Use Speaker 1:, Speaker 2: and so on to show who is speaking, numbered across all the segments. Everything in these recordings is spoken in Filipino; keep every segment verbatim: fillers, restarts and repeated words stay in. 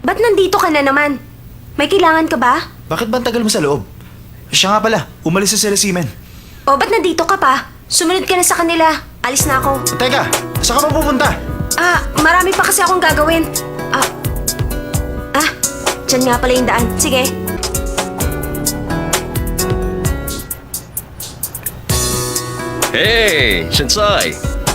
Speaker 1: Ba't nandito ka na naman? May kailangan ka ba?
Speaker 2: Bakit ba ang tagal mo sa loob? Siya nga pala, umalis na sila Simen.
Speaker 1: O ba't nandito ka pa? Sumunod ka na sa kanila. Alis na ako.
Speaker 2: Teka, saan ka pa pupunta?
Speaker 1: Ah, marami pa kasi akong gagawin. Ah, ah, dyan nga pala yung daan. Sige.
Speaker 3: Hey, Shinsai!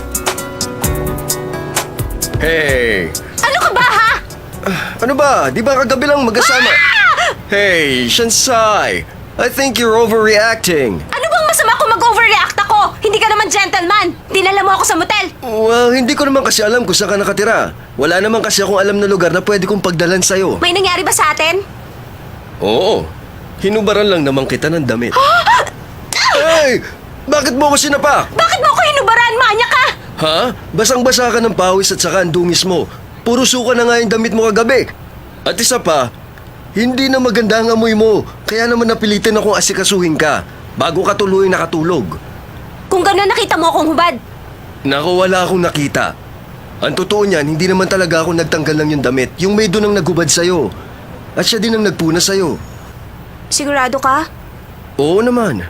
Speaker 3: Hey!
Speaker 1: Ano ka ba, ha?
Speaker 3: Ano ba? Di ba kagabi lang magkasama? Hey, Shinsai! I think you're overreacting.
Speaker 1: Ano bang masama kung mag-overreact ako? Hindi ka naman gentleman. Dinala mo ako sa motel.
Speaker 3: Well, hindi ko naman kasi alam kung saan ka nakatira. Wala naman kasi akong alam na lugar na pwede kong pagdalan sa'yo.
Speaker 1: May nangyari ba sa atin?
Speaker 3: Oo. Hinubaran lang naman kita ng damit. Hey! Bakit mo ako sinapa?
Speaker 1: Bakit mo ako hinubaran? Manya ka!
Speaker 3: Ha? Basang-basa ka ng pawis at saka ang dungis mo. Puro suka na nga yung damit mo kagabi. At isa pa, hindi na maganda ang amoy mo. Kaya naman napilitan akong asikasuhin ka bago ka tuloy nakatulog.
Speaker 1: Kung gano'n nakita mo akong hubad.
Speaker 3: Naku, wala akong nakita. Ang totoo niyan, hindi naman talaga ako nagtanggal ng yung damit. Yung may doon ang naghubad sa'yo. At siya din ang nagpuna sa'yo.
Speaker 1: Sigurado ka?
Speaker 3: Oo naman.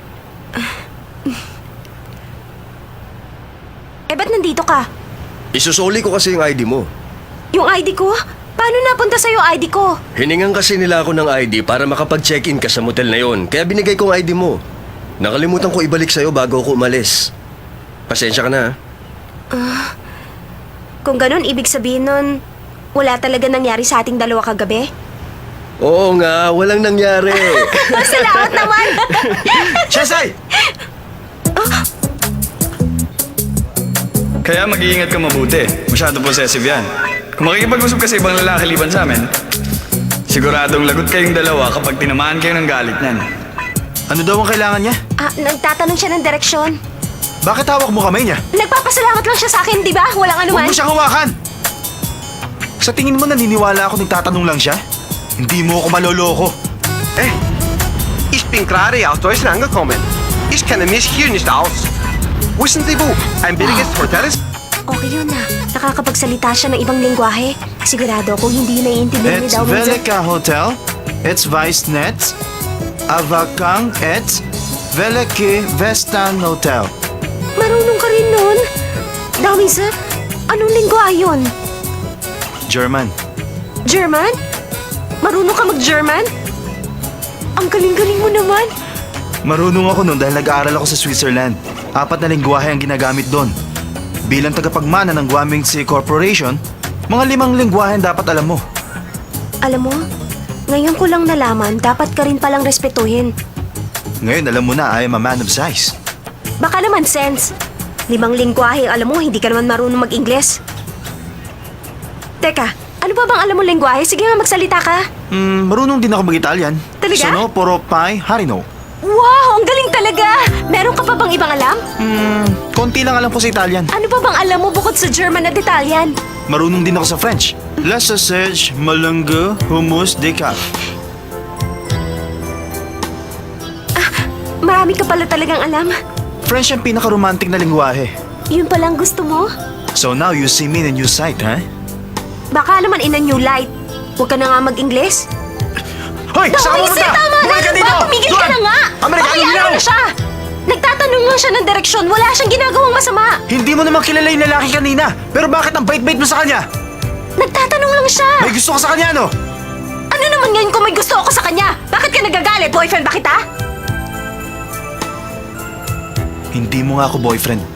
Speaker 1: Eh, ba't nandito ka?
Speaker 3: Isusoli ko kasi yung I D mo.
Speaker 1: Yung I D ko? Paano napunta sa'yo I D ko?
Speaker 3: Hiningan kasi nila ako ng I D para makapag-check-in ka sa motel na yon. Kaya binigay ko ang I D mo. Nakalimutan ko ibalik sa'yo bago ako umalis. Pasensya ka na.
Speaker 1: Kung ganun, ibig sabihin nun, wala talaga nangyari sa ating dalawa kagabi?
Speaker 3: Oo nga, walang nangyari.
Speaker 1: Salamat naman!
Speaker 2: Shinsai!
Speaker 4: Kaya mag-iingat ka mabuti. Masyado possessive yan. Kung makikipag-usap ka sa ibang lalaki liban sa amin, siguradong lagot kayong dalawa kapag tinamaan kayo ng galit niyan.
Speaker 2: Ano daw ang kailangan niya?
Speaker 1: Ah, nagtatanong siya ng direksyon.
Speaker 2: Bakit hawak mo kamay niya?
Speaker 1: Nagpapasalamat lang siya sa akin, di ba? Walang
Speaker 2: Huwag
Speaker 1: anuman.
Speaker 2: mo siyang hawakan! Sa tingin mo naniniwala ako nagtatanong lang siya? Hindi mo ako maloloko.
Speaker 5: Eh, ich bin gerade aus Deutschland angekommen. Ich kenne mich hier nicht aus. Wissen Sie wo? Ein billiges Hotel ist?
Speaker 1: Okay yun na. Nakakapagsalita siya ng ibang lingwahe. Sigurado ako hindi naiintindihan ni
Speaker 2: It's
Speaker 1: daw.
Speaker 2: Velika Hotel. It's Weissnet. Avakang et Velike Vestan Hotel.
Speaker 1: Marunong ka rin nun. Dawin sir, anong lingwahe yun?
Speaker 2: German.
Speaker 1: German? Marunong ka mag-German? Ang galing-galing mo naman.
Speaker 2: Marunong ako nun dahil nag-aaral ako sa Switzerland. Apat na lingwahe ang ginagamit doon. Bilang tagapagmana ng Guaming Sea Corporation, mga limang lingwahe ang dapat alam mo.
Speaker 1: Alam mo, ngayon ko lang nalaman, dapat ka rin palang respetuhin.
Speaker 2: Ngayon alam mo na I am a man of size.
Speaker 1: Baka naman sense. Limang lingwahe, alam mo, hindi ka naman marunong mag-Ingles. Teka, ano ba bang alam mo lingwahe? Sige nga, magsalita ka.
Speaker 2: Hmm, marunong din ako mag-Italian.
Speaker 1: Talaga?
Speaker 2: Sono, poro, pai, harino.
Speaker 1: Wow, ang galing talaga! Meron ka pa bang ibang alam?
Speaker 2: Hmm, konti lang alam ko sa Italian.
Speaker 1: Ano pa bang alam mo bukod sa German at Italian?
Speaker 2: Marunong din ako sa French. La sausage, malungo, hummus, decaf.
Speaker 1: Marami ka pala talagang alam.
Speaker 2: French ang pinaka-romantic na lingwahe.
Speaker 1: Yun palang gusto mo?
Speaker 2: So now you see me in a new sight, ha?
Speaker 1: Baka naman in a new light. Huwag ka na nga mag-Ingles.
Speaker 2: Hoy! Saan ka
Speaker 1: Dawin, sir,
Speaker 2: pumunta?
Speaker 1: tama na!
Speaker 2: Bumalik ka
Speaker 1: Ano
Speaker 2: dito!
Speaker 1: ba? Tumigil ka
Speaker 2: Doon!
Speaker 1: na nga!
Speaker 2: Amerikano
Speaker 1: Pakiyaan
Speaker 2: hilaw!
Speaker 1: mo na siya! Nagtatanong lang siya ng direksyon. Wala siyang ginagawang masama.
Speaker 2: Hindi mo naman kilala yung lalaki kanina. Pero bakit ang bait-bait mo sa kanya?
Speaker 1: Nagtatanong lang siya.
Speaker 2: May gusto ka sa kanya, no?
Speaker 1: Ano naman ngayon kung may gusto ako sa kanya? Bakit ka nagagalit? Boyfriend ba kita?
Speaker 2: Hindi mo nga ako boyfriend.